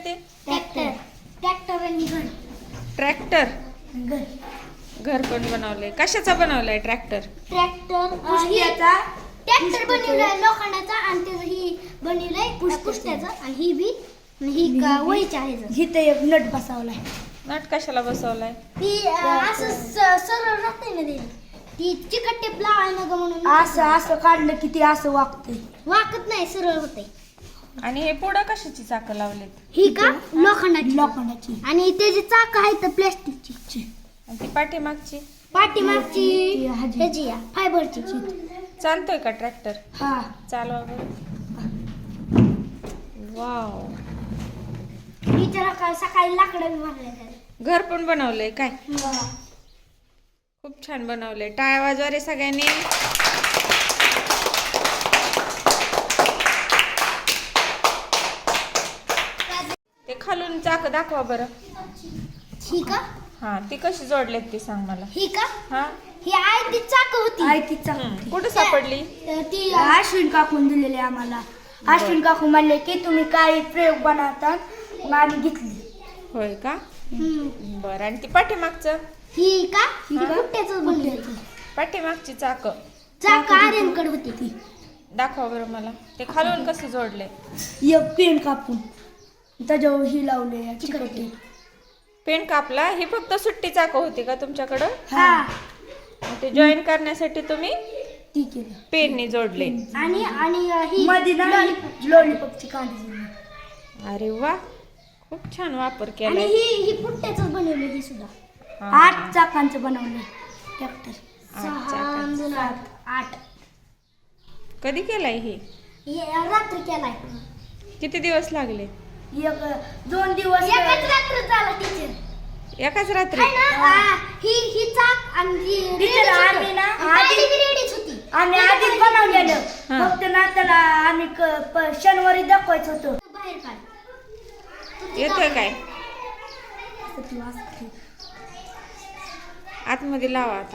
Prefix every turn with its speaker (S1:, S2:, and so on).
S1: ते?
S2: Tractor tractor आणि घर
S1: ट्रॅक्टर.
S2: घर
S1: घर पण बनवलंय. कशाचा बनवलाय ट्रॅक्टर?
S2: ट्रॅक्टर
S3: पुष्ट्याचा
S2: ट्रॅक्टर बनवलाय लोखंडाचा आणि त्याचं ही बनवलंय पुष्ट्याचं आणि ही बी आणि ही वहीची आहे
S3: इथं एक नट बसवलाय.
S1: नट कशाला बसवलाय?
S2: ती असं सरळ राहते ना ती चिकट टेप लावाय ना ग म्हणून
S3: असं असं काढलं की ते असं वागतंय.
S2: वाकत नाही सरळ होते.
S1: आणि हे पुढं कशाची चाकं लावलेत?
S2: ही का
S3: लोखंडाची
S2: आणि त्याची चाक आहे तर प्लॅस्टिकची
S1: आणि ती पाठीमागची
S2: पाठीमागची
S3: ती ह्याची.
S2: ह्याची फायबरची
S1: चालतोय का ट्रॅक्टर?
S3: हा
S1: चालवा बरं. वाव.
S2: टीचर सकाळी लाकडं मारले
S1: घर पण बनवलंय काय? खूप छान बनवलंय. टाळ्या वाजवा रे सगळ्यांनी. ते खालून चाक दाखवा बरं.
S2: ही का
S1: हा, ती कशी जोडलेत ती सांग मला.
S2: ही का
S1: हा,
S2: ही आहे ती चाक होती
S3: आई ती चाक
S1: कुठं सापडली?
S2: ती
S3: अश्विन काकून दिलेले आम्हाला. अश्विन काकू म्हणले की तुम्ही काही प्रयोग बनवता, मग आम्ही घेतली.
S1: होय का? बरं. आणि ती पाठीमागचं?
S2: ही का
S1: हा.
S2: कुट्ट्याचं बनलं
S1: पाठीमागची चाक
S2: चाक आर्यनकडे होती ती
S1: दाखवा बरं मला. ते खालून कसं जोडले?
S3: एक पेन कापून त्याच्यावर ही लावले चिकटे.
S1: पेन कापला. ही फक्त सुट्टी चाक होती का तुमच्याकडं?
S2: हा
S1: ते जॉईन करण्यासाठी तुम्ही
S3: ती केलं.
S1: पेनने जोडले.
S2: आणि ही
S3: मध्ये ना लॉलीपॉपची कांडी दिली.
S1: अरे वा, खूप छान वापर
S2: आणि
S1: केलाय.
S2: ही पुट्ट्याचं बनवलं ही सुद्धा
S1: हा.
S3: 8 चाकांचं बनवलं ट्रॅक्टर.
S1: 8
S2: 6
S1: चाकांचं.
S2: 8
S1: कधी केलाय हे?
S2: रात्री केलाय
S1: किती दिवस लागले?
S3: 2 दिवस
S2: एकच रात्र झाला टीचर
S1: एकाच रात्री?
S2: आहे ना ही चाक आणि ही
S3: टीचर आम्ही ना
S2: गाडी बी रेडीच होती
S3: आम्ही आधीच बनवलेलं.
S1: हा.
S3: फक्त ना त्याला आम्ही शनिवारी दाखवायचं होतं.
S2: बाहेर काढ
S1: येतोय काय? आतमध्ये लावा आता.